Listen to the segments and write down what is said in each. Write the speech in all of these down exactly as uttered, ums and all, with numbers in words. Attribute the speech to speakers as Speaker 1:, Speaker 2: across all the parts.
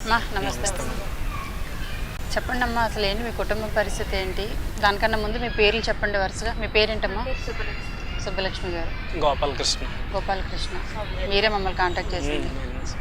Speaker 1: మా నమస్తే. చెప్పండి అమ్మా, అసలు ఏంటి మీ కుటుంబ పరిస్థితి ఏంటి? దానికన్నా ముందు మీ పేర్లు చెప్పండి వరుసగా. మీ పేరేంటమ్మా? సుబ్బలక్ష్మి గారు.
Speaker 2: గోపాలకృష్ణ.
Speaker 1: గోపాలకృష్ణ. మీరే మమ్మల్ని కాంటాక్ట్ చేసింది.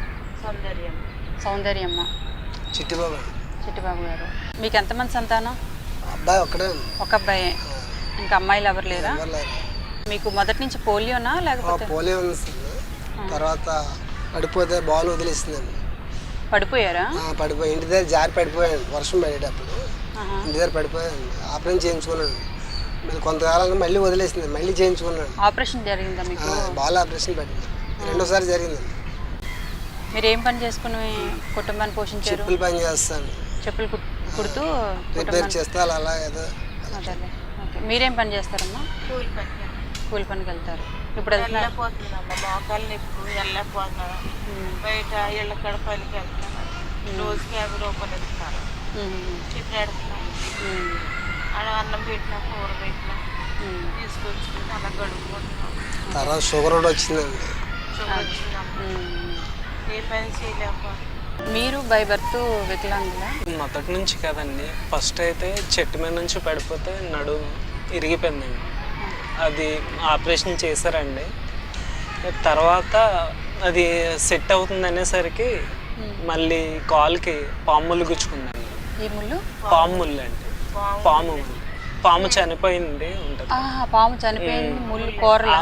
Speaker 1: సౌందర్యమ్మ.
Speaker 3: చిట్టిబాబు.
Speaker 1: చిట్టిబాబు గారు. మీకు ఎంతమంది సంతానం?
Speaker 3: అబ్బాయి ఒక్కడే.
Speaker 1: ఒక అబ్బాయే. ఇంకా అమ్మాయిలు ఎవరు లేరా? మీకు మొదటి నుంచి పోలియోనా లేకపోతే?
Speaker 3: పోలియో ఉంది. తర్వాత పడిపోతే బాల్ వదిలేసిందండి.
Speaker 1: పడిపోయారా?
Speaker 3: పడిపోయి ఇంటి దగ్గర జారి పడిపోయాను వర్షం పడేటప్పుడు. ఇంటి దగ్గర పడిపోయాను. ఆపరేషన్ చేయించుకున్నాను. మళ్ళీ కొంతకాలంగా మళ్ళీ వదిలేసింది. మళ్ళీ చేయించుకున్నాను.
Speaker 1: ఆపరేషన్ జరిగిందా మీకు?
Speaker 3: బాల్ ఆపరేషన్ పడింది. రెండోసారి జరిగిందండి.
Speaker 1: మీరు ఏం పని చేసుకుని కుటుంబాన్ని పోషించారు?
Speaker 3: చెప్పులు పని చేస్తాను.
Speaker 1: చెప్పులు కుడుతూ
Speaker 3: రిపేర్ చేస్తా అలా ఏదో.
Speaker 1: అదే. ఓకే. మీరేం పని చేస్తారమ్మా?
Speaker 4: కూలి పని.
Speaker 1: కూలి పనికి వెళ్తారు. ఇప్పుడు
Speaker 4: వెళ్ళకపోతున్నామ్మా, మోకాలు నొప్పి వెళ్ళకపోతున్నాను. బయట ఇళ్ళ కడపలికి వెళ్తున్నాను. రోజుకి యాభై రూపాయలు ఇస్తున్నారు. చికెన్ పెడుతున్నాను. అలా అన్నం పెట్టినా కూర పెట్టినా తీసుకొచ్చుకుని అలా గడుపుకుంటున్నాం.
Speaker 3: తర్వాత షుగర్ కూడా వచ్చిందండి.
Speaker 4: షుగర్ వచ్చిందమ్మా. ఏ పని చేయలేకపోతే.
Speaker 1: మీరు బై బర్త్ వికలాంగులా?
Speaker 2: మొదటి నుంచి కదండి. ఫస్ట్ అయితే చెట్టు మీద నుంచి పడిపోతే నడు ఇరిగిపోయిందండి. అది ఆపరేషన్ చేశారండి. తర్వాత అది సెట్ అవుతుంది అనేసరికి మళ్ళీ కాలుకి పాములు గుచ్చుకుందండి.
Speaker 1: ఈ ముళ్ళు?
Speaker 2: పాము ముళ్ళు అండి. పాము పాము చనిపోయింది ఉంటుంది.
Speaker 1: పాము చనిపోయింది. ముళ్ళు కూరలా?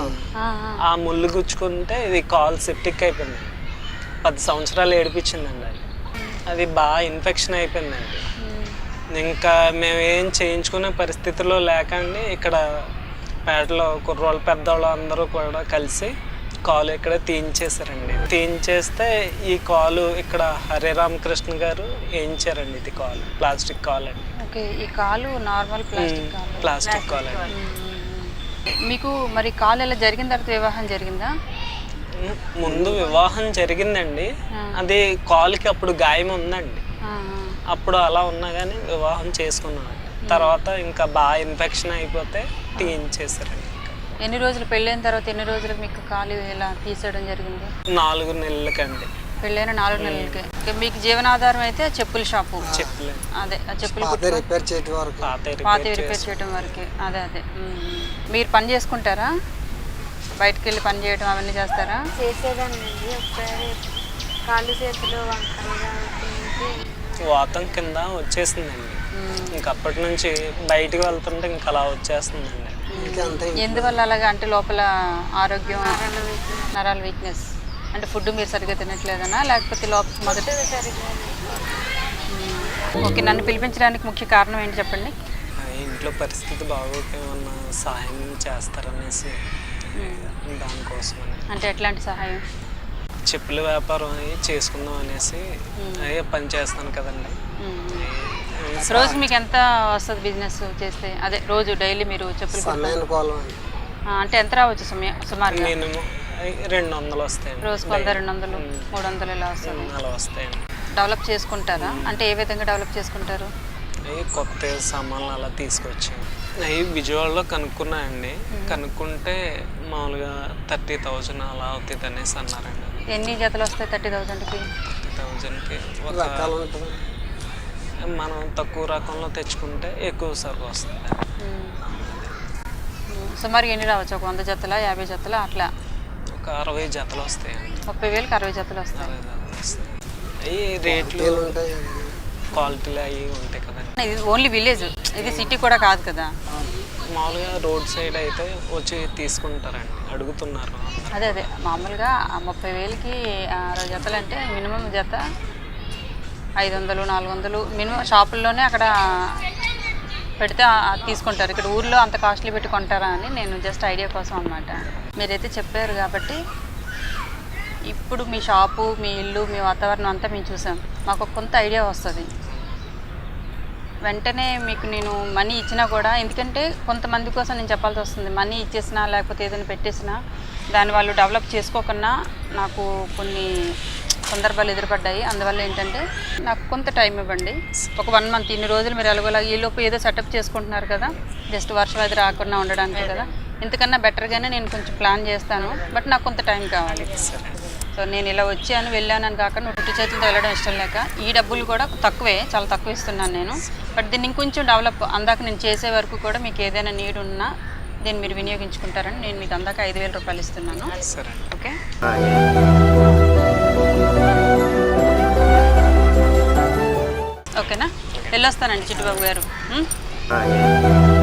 Speaker 2: ఆ ముళ్ళు గుచ్చుకుంటే ఇది కాలు సెప్టిక్ అయిపోయింది. పది సంవత్సరాలు ఏడిపించిందండి. అది అది బాగా ఇన్ఫెక్షన్ అయిపోయిందండి. ఇంకా మేము ఏం చేయించుకునే పరిస్థితిలో లేకండి ఇక్కడ పేటలో కుర్రోళ్ళు పెద్దవాళ్ళు అందరూ కూడా కలిసి కాలు ఇక్కడ తీయించేశారండి. తీయించేస్తే ఈ కాలు ఇక్కడ హరే రామకృష్ణ గారు వేయించారండి. ఇది కాలు ప్లాస్టిక్ కాలు అండి.
Speaker 1: ఓకే. ఈ కాలు నార్మల్ ప్లాస్టిక్ కాలు.
Speaker 2: ప్లాస్టిక్ కాలు అండి.
Speaker 1: మీకు మరి కాలు ఎలా జరిగిన తర్వాత వివాహం జరిగిందా?
Speaker 2: ముందు వివాహం జరిగిందండి. అది కాలుకి అప్పుడు గాయం ఉందండి. అప్పుడు అలా ఉన్నా కానీ వివాహం చేసుకున్నాను. తర్వాత ఇంకా బాగా ఇన్ఫెక్షన్ అయిపోతే తీయించేసారండి.
Speaker 1: ఎన్ని రోజులు పెళ్ళైన తర్వాత ఎన్ని రోజులకు మీకు కాలు ఇలా తీసేయడం జరిగింది?
Speaker 2: నాలుగు నెలలకండి.
Speaker 1: పెళ్ళైన నాలుగు నెలలకి. మీకు జీవనాధారం అయితే చెప్పుల షాపు.
Speaker 2: చెప్పులు
Speaker 1: అదే చెప్పులు
Speaker 3: రిపేర్ చేయడం వరకు.
Speaker 1: పాత రిపేర్ చేయడం వరకు. అదే అదే. మీరు పని చేసుకుంటారా? బయటకు వెళ్ళి పని చేయడం అవన్నీ చేస్తారా?
Speaker 4: చేసేదాన్ని. ఒకసారి కాళ్ళు చేతులు
Speaker 2: వాతం కింద వచ్చేసిందండి. ఇంకా అప్పటి నుంచి బయటకు వెళ్తుంటే ఇంకా అలా వచ్చేస్తుందండి.
Speaker 1: ఎందువల్ల అలాగా అంటే లోపల ఆరోగ్యం, నరాల వీక్నెస్ అంటే ఫుడ్ మీరు సరిగ్గా తినట్లేదనా లేకపోతే లోపల మొదట? ఓకే. నన్ను పిలిపించడానికి ముఖ్య కారణం ఏంటి చెప్పండి?
Speaker 2: ఇంట్లో పరిస్థితి బాగోక ఏమన్నా సహాయం చేస్తారనేసి దానికోసం.
Speaker 1: అంటే ఎట్లాంటి సహాయం?
Speaker 2: చెప్పుల వ్యాపారం చేసుకుందాం అనేసి అయ్యే పని చేస్తాను కదండి.
Speaker 1: రోజు మీకు ఎంత వస్తుంది బిజినెస్ చేస్తే? అదే రోజు డైలీ మీరు చెప్పులు అంటే ఎంత రావచ్చు సుమారు?
Speaker 2: మినిమం రెండు వందలు వస్తాయండి.
Speaker 1: రోజుకు వంద, రెండు వందలు, మూడు వందలు ఇలా వస్తుంది.
Speaker 2: అలా వస్తాయండి.
Speaker 1: డెవలప్ చేసుకుంటారా? అంటే ఏ విధంగా డెవలప్ చేసుకుంటారు?
Speaker 2: అవి కొత్త సామాన్లు అలా తీసుకొచ్చాను. అవి విజయవాడలో కనుక్కున్నాయండి. కనుక్కుంటే మామూలుగా థర్టీ థౌజండ్ అలా అవుతుంది అనేసి అన్నారండి.
Speaker 1: ఎన్ని జతలు వస్తాయి థర్టీ థౌజండ్కి?
Speaker 2: థర్టీ థౌజండ్కి ఒక మనం తక్కువ రకంలో తెచ్చుకుంటే ఎక్కువ సరుకు వస్తుంది.
Speaker 1: సుమారు ఎన్ని రావచ్చు? ఒక వంద జతల, యాభై జతల అట్లా?
Speaker 2: ఒక అరవై జతలు వస్తాయండి.
Speaker 1: ముప్పై వేలకు అరవై జతలు వస్తాయి.
Speaker 2: అవి రేట్లు క్వాలిటీలు అవి ఉంటాయి కదండి.
Speaker 1: ఇది ఓన్లీ విలేజ్, ఇది సిటీ కూడా కాదు కదా.
Speaker 2: మామూలుగా రోడ్ సైడ్ అయితే వచ్చి తీసుకుంటారండి, అడుగుతున్నారు.
Speaker 1: అదే అదే మామూలుగా ముప్పై వేలకి అరవై జతలు అంటే మినిమం జత ఐదు వందలు నాలుగు వందలు మినిమం షాపుల్లోనే అక్కడ పెడితే తీసుకుంటారు. ఇక్కడ ఊర్లో అంత కాస్ట్లీ పెట్టి కొంటారా అని నేను జస్ట్ ఐడియా కోసం అనమాట. మీరైతే చెప్పారు కాబట్టి ఇప్పుడు మీ షాపు, మీ ఇల్లు, మీ వాతావరణం అంతా మేము చూసాం. మాకు కొంత ఐడియా వస్తుంది. వెంటనే మీకు నేను మనీ ఇచ్చినా కూడా, ఎందుకంటే కొంతమంది కోసం నేను చెప్పాల్సి వస్తుంది. మనీ ఇచ్చేసినా లేకపోతే ఏదైనా పెట్టేసినా దాన్ని వాళ్ళు డెవలప్ చేసుకోకుండా నాకు కొన్ని సందర్భాలు ఎదురుపడ్డాయి. అందువల్ల ఏంటంటే నాకు కొంత టైం ఇవ్వండి, ఒక వన్ మంత్ ఇన్ని రోజులు మీరు ఎలాగోలా ఈలోపు ఏదో సెటప్ చేసుకుంటున్నారు కదా, జస్ట్ వర్షం అది రాకుండా ఉండడానికి కదా, ఇంతకన్నా బెటర్గానే నేను కొంచెం ప్లాన్ చేస్తాను. బట్ నాకు కొంత టైం కావాలి. సో నేను ఇలా వచ్చాను వెళ్ళానని కాకుండా ఉట్టి చేతులతో వెళ్ళడం ఇష్టం లేక ఈ డబ్బులు కూడా తక్కువే, చాలా తక్కువ ఇస్తున్నాను నేను. బట్ దీన్ని ఇంకొంచెం డెవలప్ అందాక నేను చేసే వరకు కూడా మీకు ఏదైనా నీడ్ ఉన్నా దీన్ని మీరు వినియోగించుకుంటారని నేను మీకు అందాక ఐదు వేల రూపాయలు ఇస్తున్నాను.
Speaker 2: సరే
Speaker 1: ఓకే, ఓకేనా? వెళ్ళొస్తానండి చిట్టుబాబు గారు.